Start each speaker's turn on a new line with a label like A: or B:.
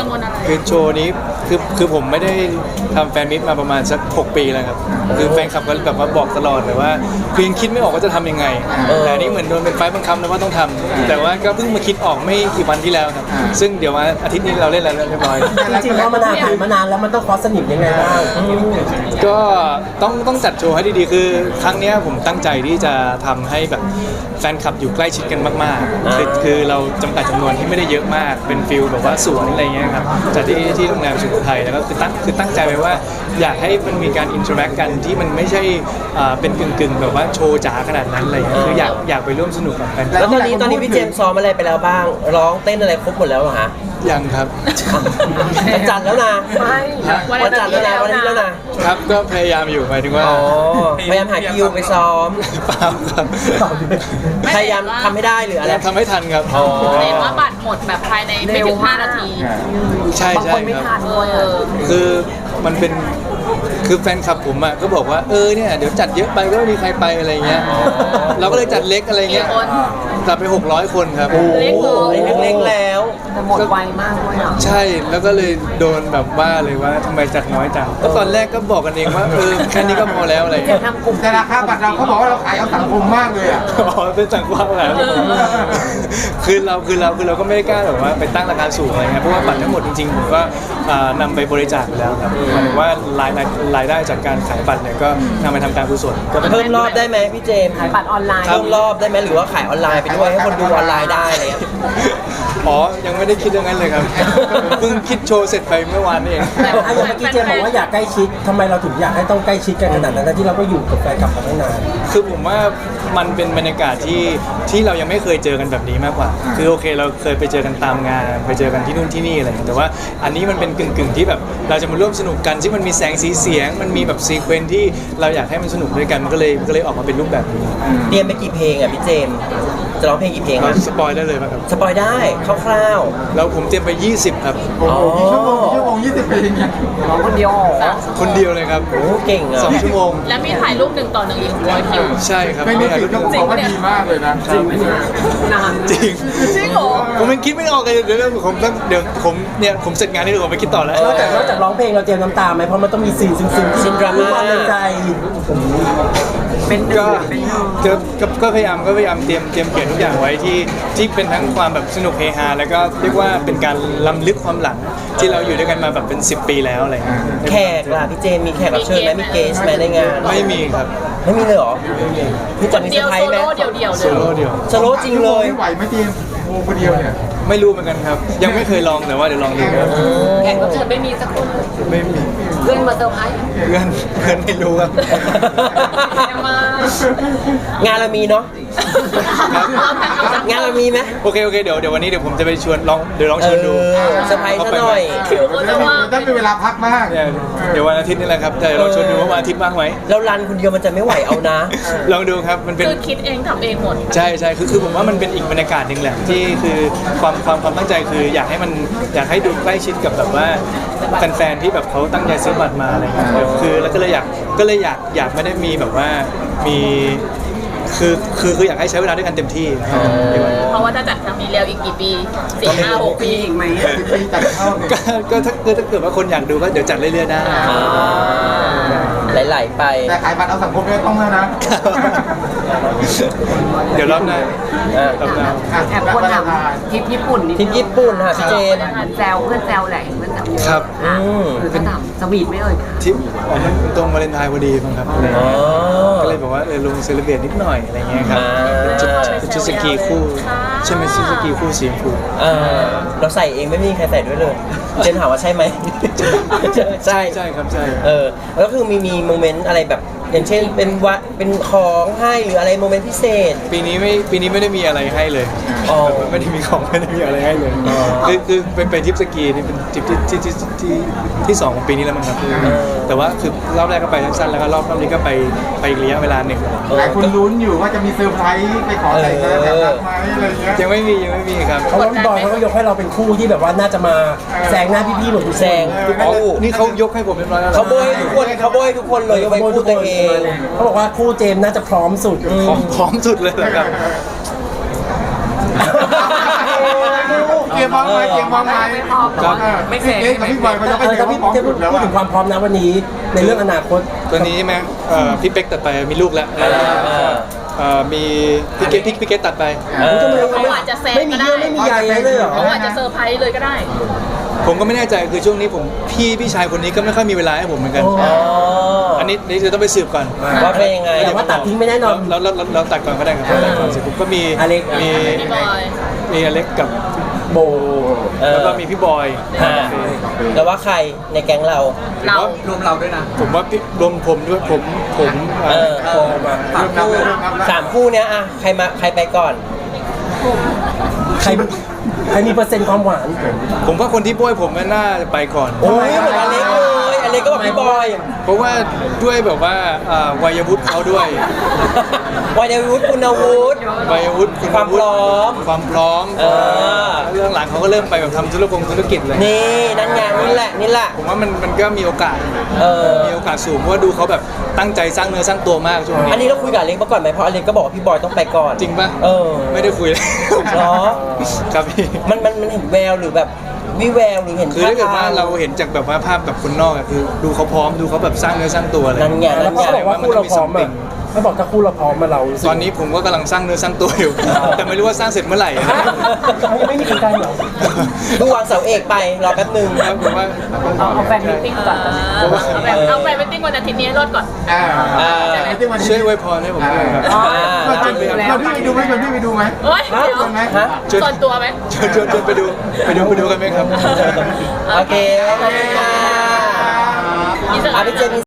A: งวลอะไร
B: คือโชว์นี้คือผมไม่ได้ทำแฟนมิตมาประมาณสัก6 ปีแล้วครับคือแฟนคลับก็แบบว่าบอกตลอดแต่ว่าคือยังคิดไม่ออกว่าจะทำยังไงแต่อันนี้เหมือนโดนเป็นไฟบังคับนะว่าต้องทำแต่ว่าก็เพิ่งมาคิดออกไม่กี่วันที่แล้วครับซึ่งเดี๋ยวว่าอาทิตย์นี้เราเล่นแล้วเรียบร้อย
C: จริงๆแล้วมันผ่านมานานแล้วมันต้องคอสสนิมยังไงบ้าง
B: ก็ต้องจัดโชว์ให้ดีๆคือครั้งนี้ผมตั้งใจที่จะทำให้แบบแฟนคลับอยู่ใกล้ชิดกันมากๆคือเราจำกัดจำนวนที่ไม่ได้เยอะมากเป็นฟิลแบบว่าสวนอะไรเงี้ยครับจัดที่โรงแรมสุโขทัยแล้วก็คือตั้งใจไว้ว่าอยากให้มันมีการอินเทอร์แอคกันที่มันไม่ใช่เป็นกึ่งแบบว่าโชว์จ๋าขนาดนั้นอะไรเงี้ยคืออยากไปร่วมสนุกกับแฟน
C: แล้วตอนนี้พี่เจมส์ซ้อมอะไรไปแล้วบ้างร้องเต้นอะไรครบหมดแล้วเหรอฮะ
B: ยังครับ
C: วันจันทร์แล้วนะวันจันทร์แล้วนะวันนี้แล้ว
B: นะครับก็พยายามอยู่หมายถึงว่า
C: พยายามหาคิวไปซ้อม
B: เปล่าครับ
C: พยายามทำให้ได้หรืออะไร
B: ทำให้ทันครับ
A: เห็นว่าบัตรหมดแบบภายในไม่ถึง5 นาที
B: ใช่ใช่ครับคือมันเป็นคือแฟนคลับผมอ่ะก็บอกว่าเนี่ยเดี๋ยวจัดเยอะไปก็ไม่มีใครไปอะไรเงี้ยเราก็เลยจัดเล็กอะไรเงี้ยจัดไป600 คนครับ
A: เล็ก
C: แล้ว
A: แต่หมดไวมากเลย
B: ใช่แล้วก็เลยโดนแบบว่าเลยว่าทำไมจัดน้อยจังก็ตอนแรกก็บอกกันเองว่าแค่นี้ก็พอแล้วอะไร
D: จะทำกลุ่มแต่ราคาบัตรเราเขาบอกว่าเราขายเอาสังคมมากเลยอ่ะ
B: เป็นสังคมอะไรคือเราก็ไม่ได้กล้าแบบว่าไปตั้งราคาสูงอะไรเงี้ยเพราะว่าบัตรทั้งหมดจริงๆผมก็นำไปบริจาคไปแล้วครับหมายถึงว่ารายได้จากการขายบัตรเนี่ยก็นำไปทำการกุศลก็
C: เพิ่มรอบได้ไหมพี่เจมส์
A: ขายบัตรออนไลน์
C: เพิ่มรอบได้ไหมหรือว่าขายออนไลน์ไปด้วยให้คนดูออนไลน์ได้อะไรเงี้ย
B: ยังไม่ได้คิดเรื่องนั้นเลยครับเพิ่งคิดโชว์เสร็จไปเมื่อวานนี่เอง
C: อย่างเมื่อกี้เจมส์บอกว่าอยากใกล้ชิดทำไมเราถึงอยากให้ต้องใกล้ชิดกันขนาดนั้นที่เราก็อยู่กับแฟนคลับมาตั้งนาน
B: คือผมว่ามันเป็นบรรยากาศที่เรายังไม่เคยเจอกันแบบนี้มากกว่าคือโอเคเราเคยไปเจอกันตามงานไปเจอกันที่นู่นที่นี่อะไรแต่ว่าอันนี้มันเป็นกึ่งที่แบบเราจะมาร่วมสนุกกันซึ่งมันมีแสงสีเสียงมันมีแบบซีเควนซ์ที่เราอยากให้มันสนุกด้วยกันมันก็เลยออกมาเป็นรูปแบบนี้
C: เตรียมไปกี่เพลงอ่ะพี่เจมส์จะร้องเพลงกี่เพลง
B: สปอยได้เลยป่ะครับ
C: สปอยได้คร่าว
B: ๆแล้วผมเตรียมไป20ครับ
D: โอ้โหชั่วโมง20 เพลงเนี่ย
C: ร้องคนเดียว
B: คนเดียวเลยครับ
C: โอ้เก่งอ่ะ
B: 2 ชั่วโมง
A: แล้วมีถ่ายรูป1 ต่อ 1อีก100 คิว
B: ใช่ครับ
D: ไม่ถ่ายรูปบอกว่าดีมากเลยนะ
B: จริง
A: นาน
B: จริง
A: เหรอ
B: ผมยังคิดไม่ออกเลยเดี๋ยวผมเสร็จงานนี่เดี๋ยวผมไปคิดต่อแล้ว
C: นอกจากร้องเพลงเราเตรียมน้ำตาไหมเพราะมันต้องมีซีนซึ้งๆซีนดราม่าในใจ
B: ก็พยายามเตรียมเขียนทุกอย่างไว้ที่เป็นทั้งความแบบสนุกเฮฮาแล้วก็เรียกว่าเป็นการล้ำลึกความหลังที่เราอยู่ด้วยกันมาแบบเป็น10 ปีแล้วอะไร
C: แขกล่ะพี่เจมมีแขกรับเชิญไหมมีเกสไหมในงาน
B: ไม่มีครับ
C: ไม่มีเลยเหรอพี่จะมีเซอร์
A: ไพรส์ไหมโซโล่เ
C: ดี่ยวจริงเลย
D: ไม่ไหวไม่เตรียมโอ้คนเดียวเนี่ย
B: ไม่รู้เหมือนกันครับยังไม่เคยลองแต่ว่าเดี๋ยวลองดูครับ
A: แขกรับเชิญไม่มีสักคน
B: ไม่มี
A: เพื่อนมาเซอร์ไพรส์
B: เพื่อนไม่รู้ครับ
C: งานเรามีเนาะงานเรามีไหม
B: โอเคเดี๋ยววันนี้เดี๋ยวผมจะไปชวนลองชวนดู
C: เซอร์ไพรส์ซะหน่อย
D: ต้องมีเวลาพักมาก
B: เดี๋ยววันอาทิตย์นี่แหละครับแต่ลองชวนดูว่าวันอาทิตย์ว่างไหม
C: เรารันคนเดียวมันจะไม่ไหวเอานะ
B: ลองดูครับมันเป็น
A: คือคิดเองทำเองหมด
B: ใช่คือผมว่ามันเป็นอีกบรรยากาศหนึ่งแหละที่คือความตั้งใจคืออยากให้ดูใกล้ชิดกับแบบว่าแฟนๆที่แบบเขาตั้งใจซื้อบัตรมาอะไรเงี้ยคือแล้วก็เลยอยากไม่ได้มีแบบว่ามีคืออยากให้ใช้เวลาด้วยกันเต็มที่
A: เพราะว่าถ้าจัดครั้งนี้แล้วอีกกี่ปี4-5-6 ปีอีกไหม
B: ก็ถ้าเกิดว่าคนอยากดูก็เดี๋ยวจัดเรื่อยๆได้
C: ไหลๆไป
D: แต่ขายบัตรเอาสังคมไม่ต้องแล้วนะ
B: เดี๋ยวรอบหน้า
A: แอบคนถามทริปญี่ปุ่น
C: ค่ะพี่เจม
A: แซวเพื่อนแซวแหละเพื่อนแซว
B: ครับ
A: ก็ถามสวีทไม่เอ่ย
B: ทริปมันตรงวาเลนไทน์พอดีมั้งครับก็เลยบอกว่าลงเซเลบเรตนิดหน่อยอะไรเงี้ยครับชุดสกีคู่ใช่ไหมชุดสกีคู่สีชมพู
C: เราใส่เองไม่มีใครใส่ด้วยเลยเจนถามว่าใช่ไหม
B: ใช่ครับใช่
C: แล้วคือมีโมเมนต์อะไรแบบอย่างเช่นเป็นของให้หรืออะไรโมเมนต์พิเศษ
B: ปีนี้ไม่ได้มีอะไรให้เลยไม่ได้มีของไม่ได้มีอะไรให้เลยคือไปทริปสกีนี่เป็นทริปที่2ของปีนี้แล้วมั้งครับแต่ว่าคือรอบแรกก็ไปสั้นๆแล้วก็รอบนี้ก็ไปอีกระยะเวลาหนึ่ง
D: หลายคนลุ้นอยู่ว่าจะมีเซอร์ไพรส์ไปขอแต่งงานแบบรักไหมอะไรเงี้ย
B: ยังไม่มีครับ
C: เพราะว่าบอยเขาก็ยกให้เราเป็นคู่ที่แบบว่าน่าจะมาแซงหน้าพี่ๆเหมือนแซง
B: นี่เขายกให้ผมเรียบร้อยแล้ว
C: เขาโบยทุกคนเลยยกไปคู่ตัวเองเขาบอกว่าคู่เจมน่าจะพร้อมสุด
B: พร้อมสุดเลยแหละครับ
D: ยมพร้อมไหมเตรียมพร้อมไหม
A: ไม่เสร็จ
D: เอ๊ะกับพี่บอยเขาจะไป
C: ถ้า
D: เตรีย
C: พี่
D: มพร้อม
C: จะ
D: สุดแล้ว
C: พูดถึงความพร้อมนะวันนี้ในเรื่องอนาคต
B: ตัวนี้ใช่ไหมพี่เป๊กตัดไปมีลูกแล้วมีพี่เกตตัดไป
A: เขาอาจจะแซง
C: ไม่มี
A: ก็ได้
C: เยื่อไม่มีใยเลยเหรอ
A: เขาอาจจะเซอร์ไพรส์เลยก็ได้
B: ผมก็ไม่แน่ใจคือช่วงนี้ผมพี่ชายคนนี้ก็ไม่ค่อยมีเวลาให้ผมเหมือนกัน อันนี้จะต้องไปสืบก่อน
C: ว่าเป็นยังไงแต่ว่าตัดทิ้งไม่แน่นอน
B: เราตัดก่อนก็ได้ครับตัดก่อนเสร็จปุ๊บก็มี
C: อเล็ก
B: มี
A: พี่บอย
B: มีอเล็กกับ
C: โบ
B: แล้วก็มีพี่บอย
C: แล้วว่าใครในแก๊งเรา
A: เรา
B: รวมเราด้วยนะผมว่าพี่รวมผมด้วยผม
C: โบมาสามคู่เนี้ยอะใครไปก่อน ใครมีเปอร์เซ็นต์ความหวาน
B: ผมว่าคนที่บ้วยผมน่าจะไปก่อน
C: โอ้ยเหมือนอเล็กเลยอเล็กก็บอกพี่บอย
B: เพราะว่าด้วยแบบว่าวัยวุฒิเขาด้วย
C: วัยวุฒิคุณวุฒิ
B: วัยวุฒิณ
C: ความพร้อม
B: ความพร้อมเรื่องหลังเขาก็เริ่มไปแบบทำธุรกิจเลย
C: นี่นั่นไงนี่แหละ
B: ผมว่ามันก็มีโอกาส มีโอกาสสูงเพราะว่าดูเขาแบบตั้งใจสร้างเนื้อสร้างตัวมากช่วงนี้
C: อันนี้เราคุยกับอเล็กมาก่อนไหมเพราะอเล็กก็บอกว่าพี่บอยต้องไปก่อน
B: จริงปะ ไม่ได้คุยเลย
C: เหรอ
B: ครับพี่
C: มันเห็นแววหรือแบบวิแววหรือเห็น
B: คือถ้าเกิดว่าเราเห็นจากแบบว่าภาพแบบคนนอกอะคือดูเขาพร้อมดูเขาแบบสร้างเนื้อสร้างตัวเลย
C: นั่นไง
E: แล้วเขาบอกว่าคู่เราพร้อมอ่ะเขาบอกถ้าคู่เราพร้อมมาเรารู้สึก
B: ตอนนี้ผมก็กำลังสร้างเนื้อสร้างตัวอยู่ แต่ไม่รู้ว่าสร้างเสร็จเมื่อไหร่
E: เขายังไม่มีใครได้เหรอ
C: ดูวางเสาเอกไปรอแป๊บนึง
B: ครับผมว่า
A: เอาแฟนมิทติ้งก่อนเอาแฟนมิทติ้งวันอาทิตย์นี้ให้รอดก่อน
B: ช่วยอวยพรให้ผมด้วยครับ
D: ชวนพี่ไปดูไหมชวนพี่ไปดูไหม
A: โอ๊ย
C: ฮะ
A: เดี๋ยว
C: ฮะ
A: ส่วนตัวไหม
B: ชวนไปดูกันไหมครับ
C: โอเคขอบคุณค่ะ
A: มีส
C: อาพี่เจน